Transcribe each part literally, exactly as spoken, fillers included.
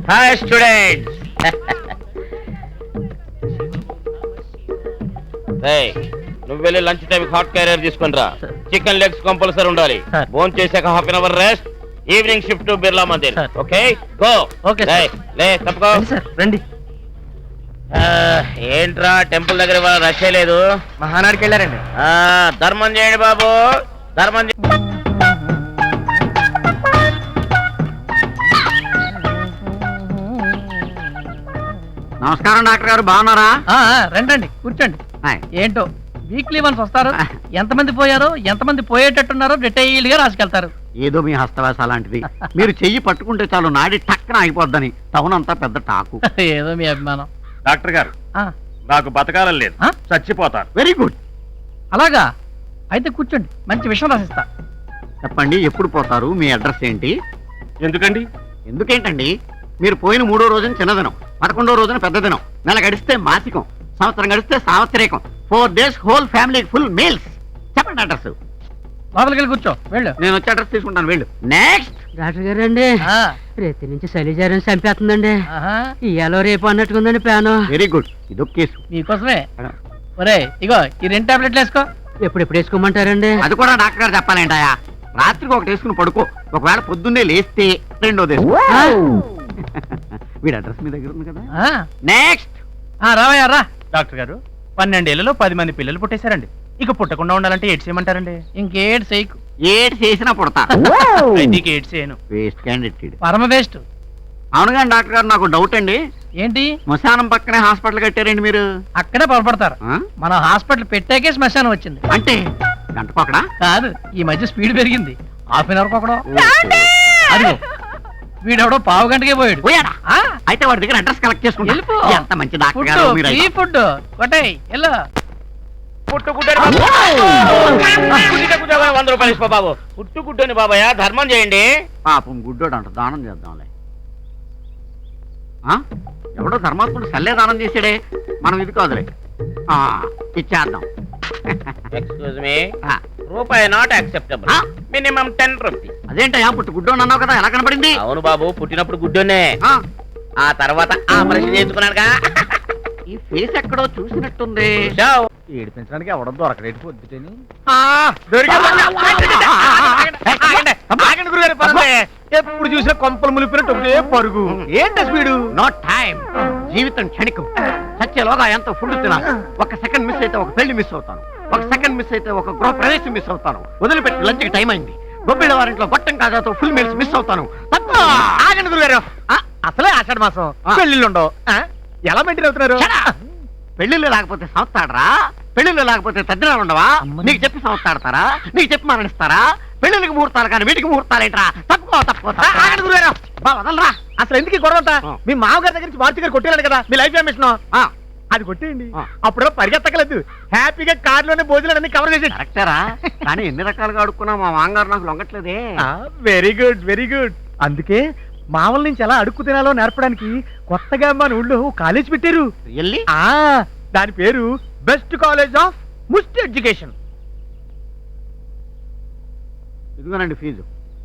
Hi students. నువ్వు వెళ్ళి lunch time hot carrier తీసుకుని రా. చికెన్ లెగ్స్ కంపల్సరీ ఉండాలి. భోజనం చేశాక half an hour rest. Evening shift Birla Mandir. Okay go. Okay లే తప్పుకో రండి. ఏంట్రా టెంపుల్ దగ్గర వాళ్ళ రష్ లేదు. మహానాడికి వెళ్ళారండి. ధర్మం చేయండి బాబు, ధర్మం చేయండి. నమస్కారం డాక్టర్ గారు, బాగున్నారా? రండి కూర్చోండి. ఏంటో వీక్లీ వన్స్ వస్తారు. ఎంతమంది పోయారో ఎంతమంది పోయేటట్టున్నారో డీటెయిల్ గా రాసుకెళ్తారు. ఏదో మీ హస్తవాస లాంటిది. మీరు చెయ్యి పట్టుకుంటే చాలు నాడి టక్కన అయిపోద్దని టౌన్ అంతా పెద్ద టాకు. ఏదో మీ అభిమానం. డాక్టర్ గారు, నాకు బతకాలని లేదు, చచ్చిపోతాను. Very good. అలాగా అయితే కూర్చోండి, మంచి విషయం రాసిస్తా. చెప్పండి, ఎప్పుడు పోతారు? మీ అడ్రస్ ఏంటి? ఎందుకండి? ఎందుకేంటండి? మీరు పోయిన మూడో రోజున చిన్నదినం, పదకొండో రోజున పెద్ద దినం, నెల గడిస్తే మాసికం, సంవత్సరం గడిస్తే సావత్రికం, four days whole family full meals. చెప్పండి అడ్రస్. లోపలికి వెళ్ళి కూర్చో. వెళ్ళు. నేను వచ్చి అడ్రస్ తీసుకుంటాను. వెళ్ళు. నెక్స్ట్. డాక్టర్ గారు అండి, రేతి నుంచి శైలిజారం చంపేస్తుందండి. ఇయాలో రేపు అన్నట్టుకుందండి ప్లాను. Very good. ఇదొక కేసు మీకోసమే. ఒరే ఇగో ఈ రెండు టాబ్లెట్లు వేసుకో. ఎప్పుడెప్పుడు వేసుకోమంటారండి? అది కూడా డాక్టర్ గారు చెప్పాలంటాయా? రాత్రికి ఒకటి వేసుకుని పడుకో, ఒకవేళ పొద్దున్నే లేస్తే రెండోది వేసుకో. వీడి అడ్రస్ మీ దగ్గర ఉంది కదా. నెక్స్ట్. రావయ్యా రా. డాక్టర్ గారు, పన్నెండేళ్లలో పది మంది పిల్లలు పుట్టేశారండి. ఇక పుట్టకుండా ఉండాలంటే ఏడ్స్ చేయమంటారండి? ఇంకేడ్ చేయకు. ఏడు చేసినా పుడతా. ఏడ్స్ చేయను. Waste candidate. పరమ వేస్ట్. అవును కానీ డాక్టర్ గారు, నాకు డౌట్ అండి. ఏంటి? శ్మశానం పక్కనే హాస్పిటల్ కట్టారండి మీరు. అక్కడే పొరపడతారు. మన హాస్పిటల్ పెట్టాకే శ్మశానం వచ్చింది. అంటే గంటకొకడా? కాదు, ఈ మధ్య స్పీడ్ పెరిగింది. హాఫ్ అన్ అవర్ ఒకడో. అదిగో వీడెవడో పావు గంటకే పోయాడు. పోయాడా? అయితే వాడి దగ్గర అడ్రస్ కలెక్ట్ చేసుకుంటా. ఎంత మంచి డాక్టర్ గారు మీరు. ఫ్రీ ఫుడ్ కొట్టాయి. ఎలా పుట్టుకుంటే వంద రూపాయలు ఇసుకో బాబు. పుట్టుకుంటేని బాబాయ్ ధర్మం చేయండి. పాపం గుడ్డోడు అంట, దానం చేద్దాంలే. ఎవడో ధర్మాత్ముడు సల్లే దానం చేసాడే, మనం ఇది కాదులే, ఇచ్చేద్దాం. ఎక్స్క్యూజ్ మీ, రూపాయి not acceptable, minimum ten rupees. అదేంటయ్యా, పుట్టు గుడ్డోడు అన్నావు కదా, ఎలా కనపడింది? అవును బాబు, పుట్టినప్పుడు గుడ్డోనే, ఆ తర్వాత ఆపరేషన్ చేసుకున్నాడుగా. ఈ ఫేస్ ఎక్కడో చూసినట్టుంది. ఏడిపించడానికి ఎవడో దొరకలేదు పొద్దుటని. ఎప్పుడు చూసినా కొంపలు ములిపినట్టు పరుగు. ఏంటి స్పీడు? No time. జీవితం క్షణికం. సత్యలోగా ఎంత ఫుడ్ తినాలి. ఒక సెకండ్ మిస్ అయితే ఒక పెళ్లి మిస్ అవుతాను, ఒక సెకండ్ మిస్ అయితే ఒక గృహ ప్రవేశం మిస్ అవుతాను. వదిలిపెట్టి లంచ్కి టైం అయింది. గొప్పిళ్ళ వారింట్లో గొట్టం కాజాతో ఫుల్ మీల్స్ మిస్ అవుతాను. ఆగండి గురుగారు, అసలే ఆషాఢ మాసం, పెళ్లిళ్ళు ఉండవు. ఎలా మెయింటైన్ అవుతున్నారు? పెళ్లిళ్ళు లేకపోతే సంస్థాడరా? పెళ్లిళ్ళు లేకపోతే తద్దినాలు ఉండవా? నీకు చెప్పి సంస్థాడతారా? నీకు చెప్పి మరణిస్తారా? పెళ్లికి ముహూర్తాలు కానీ వీటికి ముహూర్తాలేంట్రా? తప్పుకో తప్పుకో. వదలరా. అసలు ఎందుకు గొడవ? మీ మామగారి దగ్గర నుంచి మార్చి గారు కొట్టేయాలి కదా మీ లైఫ్ మిషన్. అది కొట్టేయండి, అప్పుడు పరిగెత్తకలేదు. హ్యాపీగా కార్లోనే భోజనాలన్నీ కవర్ చేసి. కరెక్టరా? కానీ ఎన్ని రకాలుగా అడుక్కున్నా మా మామగారు నాకు లొంగట్లేదే. Very good very good. అందుకే మామూలు నుంచి ఎలా అడుక్కు తినాలో నేర్పడానికి కొత్తగా మన ఊళ్ళో కాలేజ్ పెట్టారు. దాని పేరు best college of must education. ఇదిగోనండి ఫీజు.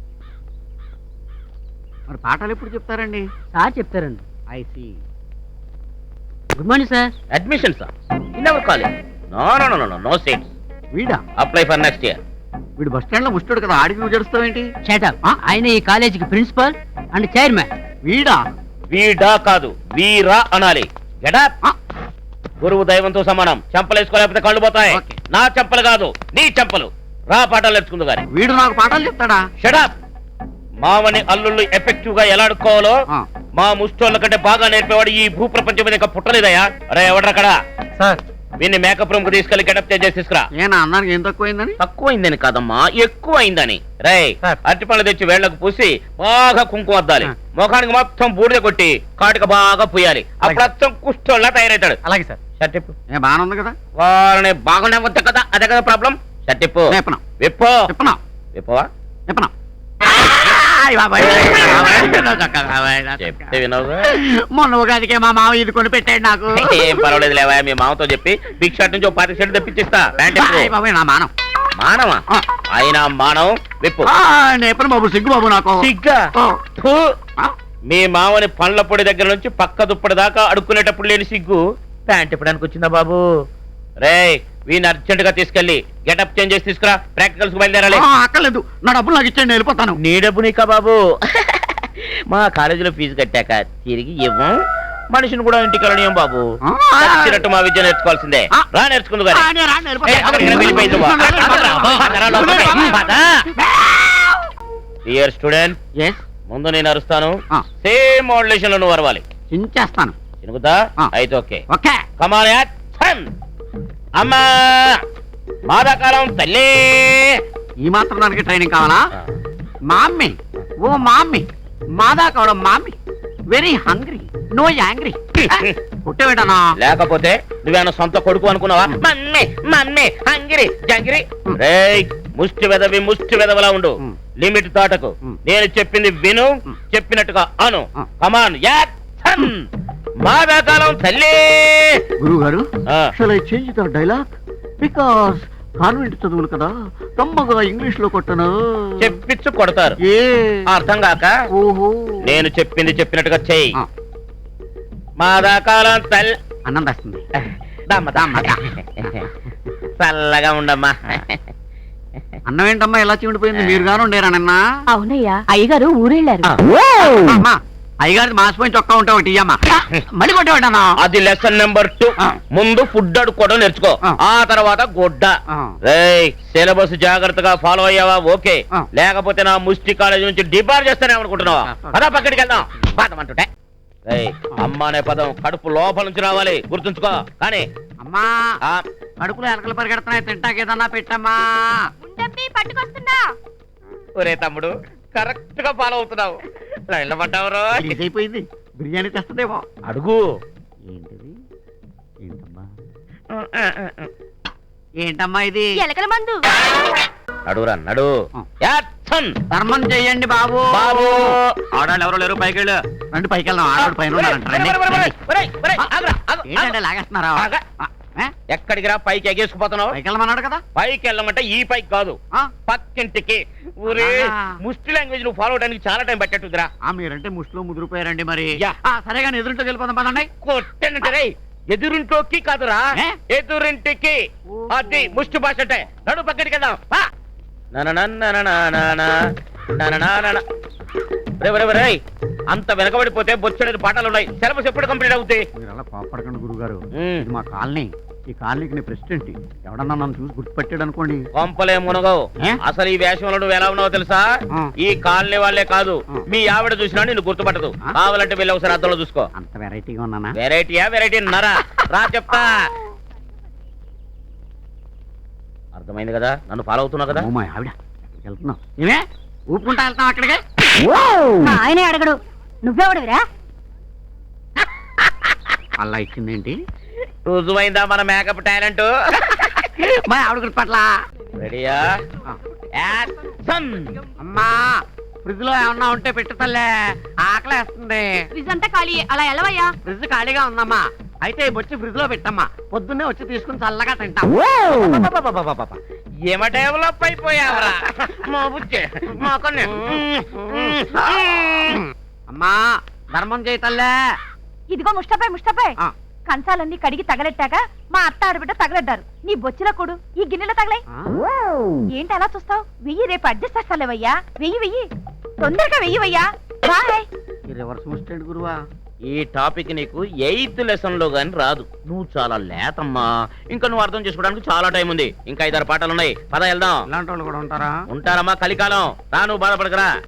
మరి పాఠాలు ఎప్పుడు చెప్తారండి? సార్ చెప్తారండి. I see. Good morning sir. Admission sir in our college. No no no no no seats. వీడా? Apply for next year. వీడు బస్ స్టాండ్ లో ముస్తాడు కదా, ఆడికి నువ్వు జడుస్తావేంటి? షటప్. ఆయన ఈ కాలేజీకి ప్రిన్సిపల్ అండ్ చైర్మన్. వీడా? వీడా కాదు, వీరా అనాలి. గెటప్. గురువు దైవంతో సమానం. చెంపలేసుకోలేకపోతే కళ్ళు పోతాయి. నా చెంపలు కాదు, నీ చెంపలు. రా పాఠాలు నేర్చుకుందు గాని. వీడు నాకు పాఠాలు చెప్తాడా? షటప్. మామని అల్లుళ్ళు ఎఫెక్టివ్ గా ఎలా అడుక్కోవాలో మా ముష్టోళ్ళ కంటే బాగా నేర్పేవాడు ఈ భూ ప్రపంచం మీద ఇంకా పుట్టలేదయ్యా. అరే ఎవడ్రక్కడ? సార్ వీన్ని మేకప్ రూమ్ కు తీసుకెళ్లి గెటప్ చేసి తీసుకురా. ఏనా అన్నానికి ఏం తక్కువైందని? తక్కువైందని కాదమ్మా, ఎక్కువ అయిందని. రై అరటి పళ్ళు తెచ్చి వేళ్లకు పూసి బాగా కుంకుమ అద్దాలి. ముఖానికి మొత్తం బూడిద కొట్టి కాటిక బాగా పూయాలి. అప్పుడు అచ్చం కుష్టోళ్ళ తయారవుతాడు. అలాగే సార్. షర్టిప్పు. బాగానే ఉంది కదా? వారిని బాగుండే వద్ద కదా, అదే కదా ప్రాబ్లం. షర్టిప్పు. విప్పో. చెప్పనా? విప్పవా? చెప్పనా? చెప్తే వినవుగా. మొన్న ఉగాదికే మా మామ ఇది కొని పెట్టాడు నాకు. ఏం పర్వాలేదు లేవా, మీ మామతో చెప్పి బిగ్ షర్ట్ నుంచి ఒక పాతి షర్ట్ తెప్పించిస్తా. నా మానం. మానవా? అయినా మానవం విప్పు. నేపను బాబు, సిగ్గు బాబు నాకు. సిగ్గా? మీ మామని పండ్ల పొడి దగ్గర నుంచి పక్క దుప్పటి దాకా అడుక్కునేటప్పుడు లేని సిగ్గు ప్యాంట్ ఇప్పడానికి వచ్చిందా బాబు? రే వీని అర్జెంట్ గా తీసుకెళ్లి గెటప్ చేంజ్ చేసి తీసుకురా, ప్రాక్టికల్స్ బయలుదేరాలి. అక్కర్లేదు, నా డబ్బులు నాకు ఇచ్చేయండి, వెళ్ళిపోతాను. నీ డబ్బు నీకా బాబు? మా కాలేజీలో ఫీజు కట్టాక తిరిగి ఇవ్వం, మనిషిని కూడా ఇంటికి వెళ్ళనియం బాబు. నచ్చినట్టు మా విద్య నేర్చుకోవాల్సిందే. రా నేర్చుకుందు డియర్ స్టూడెంట్, ముందు నేను అరుస్తాను, సేమ్ మోడ్యులేషన్ లో నువ్వు అరవాలి. చించేస్తాను. చినుకుతా? అయితే ఓకే. ఓకే. కమాన్ యాక్షన్. అమ్మా మాదాకాలం తల్లి. ఈ మాత్రం దానికి ట్రైనింగ్ కావాలా? మామ్మీ, ఓ మామ్మీ, మాదా కావడం mummy, very hungry, no angry. పుట్టేవేటనా? లేకపోతే నువ్వేనా సొంత కొడుకు అనుకున్నావా? మమ్మీ మమ్మీ హంగిరి జంగిరి. రేయ్ ముష్టి వెదవి ముష్టి వెదవలా ఉండు, లిమిట్ దాటకు. నేను చెప్పింది విను, చెప్పినట్టుగా అను. కమాన్ యాక్షన్. మాదాకాలం తల్లి. గురువు గారు, shall I change the dialogue? Because convent చదువులు కదా, కమ్మగా ఇంగ్లీష్ లో కొట్టను. చెప్పిచ్చు కొడతారు, ఏ అర్థం కాక. ఓహో, నేను చెప్పింది చెప్పినట్టుగా చెయ్యి. మాదాకాలం తల్లి. అన్నం వస్తుంది. చల్లగా ఉండమ్మా. అన్నం ఏంటమ్మా ఎలా చీమిడిపోయింది? మీరు గాను ఉండేరానన్నా? అవునయ్యా, అయ్యగారు ఊరెళ్ళారు. అయ్యగారి మాసిపోయి చొక్కా ఉంటే ఒకటి ఇయ్యమ్మా. మళ్ళీ కొట్టేవాడన్నా? అది లెసన్ నెంబర్ టూ. ముందు ఫుడ్ అడుక్కోవడం నేర్చుకో, ఆ తర్వాత గుడ్డ. రేయ్ సిలబస్ జాగ్రత్తగా ఫాలో అయ్యావా? ఓకే, లేకపోతే నా ముష్టి కాలేజ్ నుంచి డిబార్ చేస్తానే అనుకుంటున్నావా? పదా పక్కడికి వెళ్దాం పాదమంటుంటే. రేయ్ అమ్మ అనే పదం కడుపు లోపల నుంచి రావాలి, గుర్తుంచుకో. కానీ అమ్మా, కడుపులో ఎలకలు పరిగెడుతున్నాయి, తింటాకేదన్నా పెట్టమ్మా. పట్టుకొస్తున్నా. ఒరే తమ్ముడు, కరెక్ట్ గా ఫాలో అవుతున్నావు. లైన్లో పడ్డావురో. అయిపోయింది, బిర్యానీ తెస్తుందేమో. అడుగు. ఏంటిది? ఏంటమ్మా ఏంటమ్మా ఇది? ఎలకల మందు. నడురా నడు. ధర్మం చెయ్యండి బాబు. బాబు ఆడాళ్ళు ఎవరో లేరు, పైకి వెళ్ళు. రండి పైకి వెళ్దాం. ఆడాడు పైన ఏంటంటే లాగేస్తున్నారా? ఎక్కడికి రా? పైకి ఎగేసుకుపోతున్నావు. పైకి వెళ్ళమన్నాడు కదా. పైకి వెళ్ళమంటే ఈ పైకి కాదు, పక్కింటికి. ఊరే ముష్టి లాంగ్వేజ్ నువ్వు ఫాలో అవడానికి చాలా టైం పట్టేట్టుదిరా. మీరంటే ముష్టిలో ముదిరిపోయారండి మరి. సరే కానీ ఎదురుంటో వెళ్ళిపోదాం పదండి. కొట్టేనంటే రే, ఎదురింటోకి కాదురా, ఎదురింటికి. అది ముష్టి భాష అంటే. నడు పక్కడికి వెళ్దాం. అంత వెనకబడిపోతే బొచ్చడేది పాఠాలు ఉన్నాయి. సిలబస్ ఎప్పుడు కంప్లీట్ అవుతాయి? మీరు అలా కోపడకండి గురుగారు, మా కాలనీ. ఈ కాలనీకి నేను ప్రెసిడెంట్. ఎవడన్నా నన్ను చూసి గుర్తుపెట్టాడు అనుకోండి, కొంపలే మునగవు. అసలు ఈ వేషంలో నువ్వు ఎలా ఉన్నావో తెలుసా? ఈ కాలనీ వాళ్ళే కాదు, మీ ఆవిడ చూసినా నిన్ను గుర్తుపట్టదు. కావాలంటే వెళ్ళి ఒకసారి అద్దంలో చూసుకో. అంత వెరైటీగా ఉన్నానా? వెరైటీయా? వెరైటీ నరా రా చెప్తా. అర్థమైంది కదా, నన్ను ఫాలో అవుతున్నావు కదా. మా ఆవిడ వెళ్తున్నావు, నేనే ఊపుకుంటా వెళ్తాం అక్కడికి. ఆయనే అడగడు, నువ్వెవడవిరా? అలా ఇచ్చిందేంటి? రుజువైందా మన మేకప్ టాలెంట్? మా ఆవిడ గుర్తుపట్ల. రెడీయా? అమ్మా, ఫ్రిడ్జ్ లో ఏమన్నా ఉంటే పెట్టు తల్లే, ఆకలేస్తుంది. ఫ్రిడ్జ్ అంతా ఖాళీ, అలా ఎలవయ్యా. ఫ్రిడ్జ్ ఖాళీగా ఉందమ్మా. అయితే వచ్చి ఫ్రిడ్జ్ లో పెట్టమ్మా, పొద్దున్నే వచ్చి తీసుకుని చల్లగా తింటాం. ఏమ డెవలప్ అయిపోయావరా మా బుజ్జి. అమ్మా, ధర్మం చేయి తల్లే. ఇదిగో ముష్టపై ముష్టపై, కంచాలన్నీ కడిగి తగలెట్టాక మా అత్త ఆడబిడ్డ తగలెడ్డారు. నీ బొచ్చిల కొడు ఈ గిన్నెలో తగలే. ఏంటి అలా చూస్తావు? వెయ్యి, రేపు అడ్జస్ట్ చేస్తాలేవయ్యా. వెయ్యి వెయ్యి, తొందరగా వెయ్యివయ్యా. బాయ్. రివర్స్ ముస్టెంట్ గురువా. ఈ టాపిక్ నీకు ఎయిత్ లెసన్ లో గాని రాదు. నువ్వు చాలా లేతమ్మా, ఇంకా నువ్వు అర్థం చేసుకోవడానికి చాలా టైం ఉంది. ఇంకా ఐదారు పాటలు ఉన్నాయి, పద వెళ్దాం. ఇలాంటి వాళ్ళు కూడా ఉంటారా? ఉంటారమ్మా, కలికాలం. రా, నువ్వు బాధపడకరా.